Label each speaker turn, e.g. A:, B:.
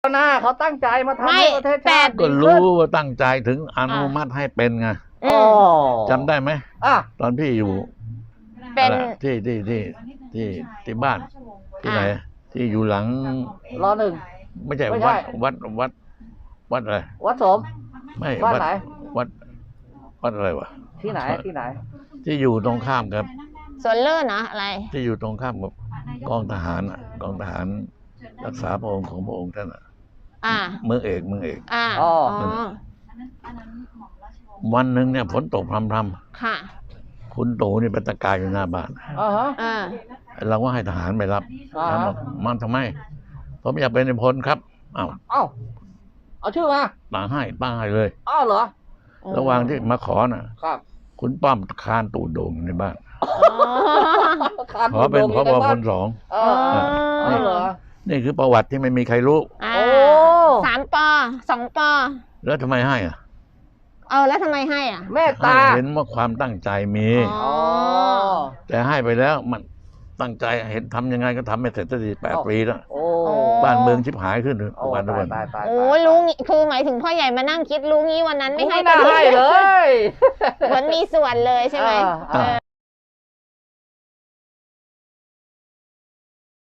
A: หน้าเขาตั้งใจมาทำให้ประเทศชาติ
B: ก็รู้ว่าตั้งใจถึงอนุมัติให้เป็นไง
A: อ๋อ
B: จำได้ไหม
A: อ่ะ
B: ตอนพี่อยู่
C: เป็น
B: ที่บ้านที่ไหนที่อยู่หลัง
A: รอหนึ่ง
B: ไม่ใช่
A: ไม่ใช่
B: วัดอะไร
A: วัดโสม
B: ไม่
A: บ้านไหน
B: วัดอะไรวะ
A: ที่ไหนที่ไหน
B: ที่อยู่ตรงข้ามกับ
C: สวนเลิศเนาะอะไร
B: ที่อยู่ตรงข้ามกับกองทหารอ่ะกองทหารรักษาพระองค์ของพระองค์ท่านอ่ะ
C: อ่า
B: เมืองเอก
C: อ่า
A: อ๋อ
B: วันหนึ่งเนี่ยฝนตกพรำ
C: ค่ะ
B: ๆคุณตู่นี่เป็นตะกายอยู่หน้าบ้าน
A: อ่าฮะ
C: อ่า
B: เราก็ให้ทหารไปรับ
A: อ่า
B: ถามว่ามันทำไมผมอยากเป็นนายพลครับอ้าว
A: เอ้าเอาชื่อมา
B: ป้าให้เลย
A: อ้าวเหรอ
B: ระหว่างที่มาขอน่ะ
A: ครับ
B: คุณป้อมคานตูดโด่งในบ้าน
C: อ๋อ
A: ขาด
B: ขอเป็น
A: โด่ง
B: พ
A: ยู่
B: บ
A: ใน
B: พ
A: บ้าน
B: ลสอง
A: เอออ๋อเหรอ
B: นี่คือประวัติที่ไม่มีใครรู้
C: อ่า
A: โอ้
C: 3 ป 2 ป
B: แล้วทำไมให้อ่ะ
C: แล้วทำไมให้อ่ะ
A: แม่
B: ให้
A: ตา
B: เห็นว่าความตั้งใจมี
C: อ๋อ
B: แต่ให้ไปแล้วมันตั้งใจเห็นทำยังไงก็ทำไม่เสร็จสักที8 ปีแล้ว
A: โอ้
B: บ้านเมืองชิบหายขึ้น
A: โอ้
B: วัน
A: ตาย
B: วัน
A: ตายตาย
C: โอ้ยรู้งี้คือหมายถึงพ่อใหญ่มานั่งคิดรู้งี้วันนั้น
A: ไม่
C: ไม่ให้
A: น่าให้เลย
C: เหมือนมีส่วนเลยใช่ไหม
A: อ่า
C: เออ